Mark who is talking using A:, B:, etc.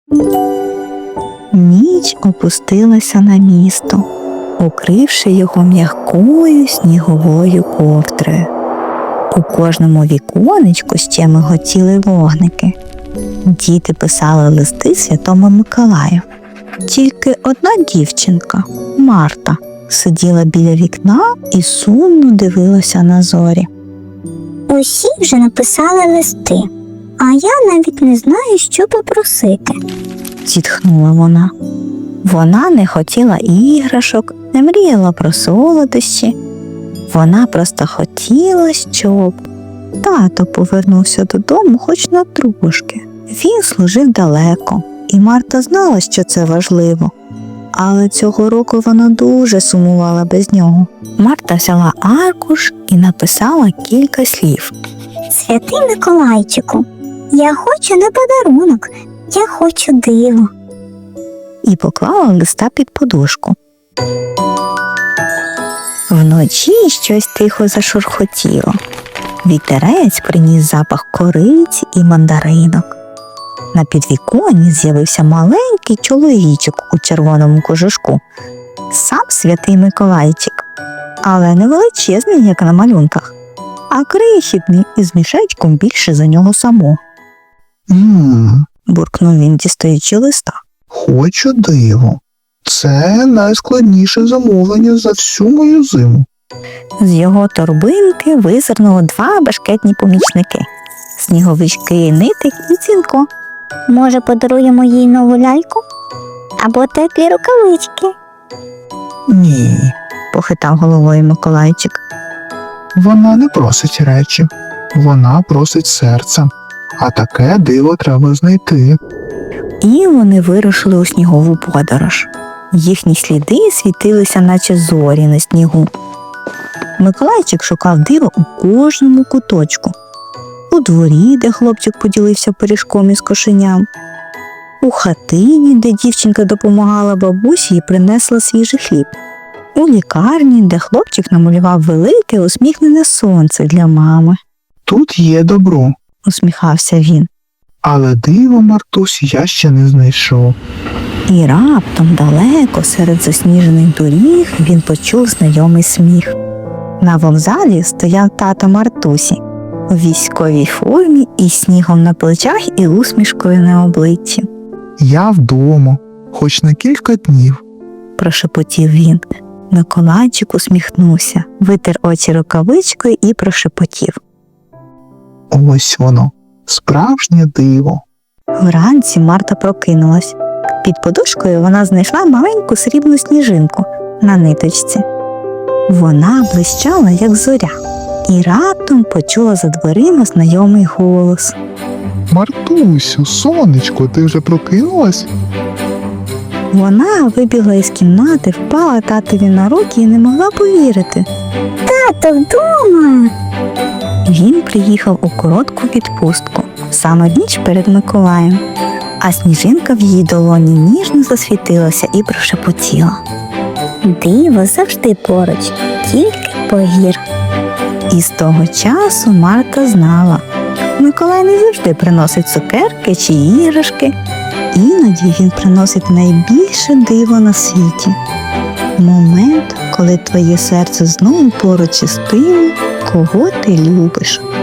A: Ніч опустилася на місто, укривши його м'якою сніговою ковдрою. У кожному віконечку ще миготіли вогники. Діти писали листи Святому Миколаю. Тільки одна дівчинка, Марта, сиділа біля вікна і сумно дивилася на зорі.
B: Усі вже написали листи, а я навіть не знаю, що попросити.
A: Зітхнула вона. Вона не хотіла іграшок, не мріяла про солодощі. Вона просто хотіла, щоб тато повернувся додому хоч на трошки. Він служив далеко, і Марта знала, що це важливо. Але цього року вона дуже сумувала без нього. Марта взяла аркуш і написала кілька слів.
B: Святий Миколайчику, я хочу не подарунок, я хочу диво.
A: І поклала листа під подушку. Вночі щось тихо зашурхотіло. Вітерець приніс запах кориці і мандаринок. На підвіконні з'явився маленький чоловічок у червоному кожушку. Сам святий Миколайчик, але не величезний, як на малюнках, а крихітний і з мішечком більше за нього самого. Буркнув він, дістаючи листа.
C: Хочу диво. Це найскладніше замовлення за всю мою зиму.
A: З його торбинки визирнули два бешкетні помічники – Сніговички, Нитик і Цінко.
B: Може, подаруємо їй нову ляльку? Або теплі рукавички?
C: Ні,
A: Похитав головою Миколайчик.
C: вона не просить речі, вона просить серця. А таке диво треба знайти.
A: І вони вирушили у снігову подорож. Їхні сліди світилися, наче зорі на снігу. Миколайчик шукав диво у кожному куточку. У дворі, де хлопчик поділився пиріжком із кошеням. У хатині, де дівчинка допомагала бабусі і принесла свіжий хліб. У лікарні, де хлопчик намалював велике усміхнене сонце для мами.
C: Тут є добро,
A: Усміхався він.
C: але диво, Мартусь, я ще не знайшов.
A: І раптом далеко серед засніжених доріг він почув знайомий сміх. На вокзалі стояв тато Мартусі у військовій формі із снігом на плечах і усмішкою на обличчі.
C: Я вдома, хоч на кілька днів.
A: Прошепотів він. Миколайчик усміхнувся, витер очі рукавичкою і прошепотів.
C: Ось воно, справжнє диво.
A: Вранці Марта прокинулась. Під подушкою вона знайшла маленьку срібну сніжинку на ниточці. Вона блищала, як зоря, і раптом почула за дверима знайомий голос.
C: Мартусю, сонечко, ти вже прокинулась?
A: Вона вибігла із кімнати, впала татові на руки і не могла повірити.
B: Тато вдома!
A: Він приїхав у коротку відпустку, саме в ніч перед Миколаєм, а сніжинка в її долоні ніжно засвітилася і прошепотіла.
B: Диво завжди поруч, тільки погір.
A: І з того часу Марта знала, Миколай не завжди приносить цукерки чи іграшки, іноді він приносить найбільше диво на світі. Момент, коли твоє серце знову поруч із тим, кого ти любиш.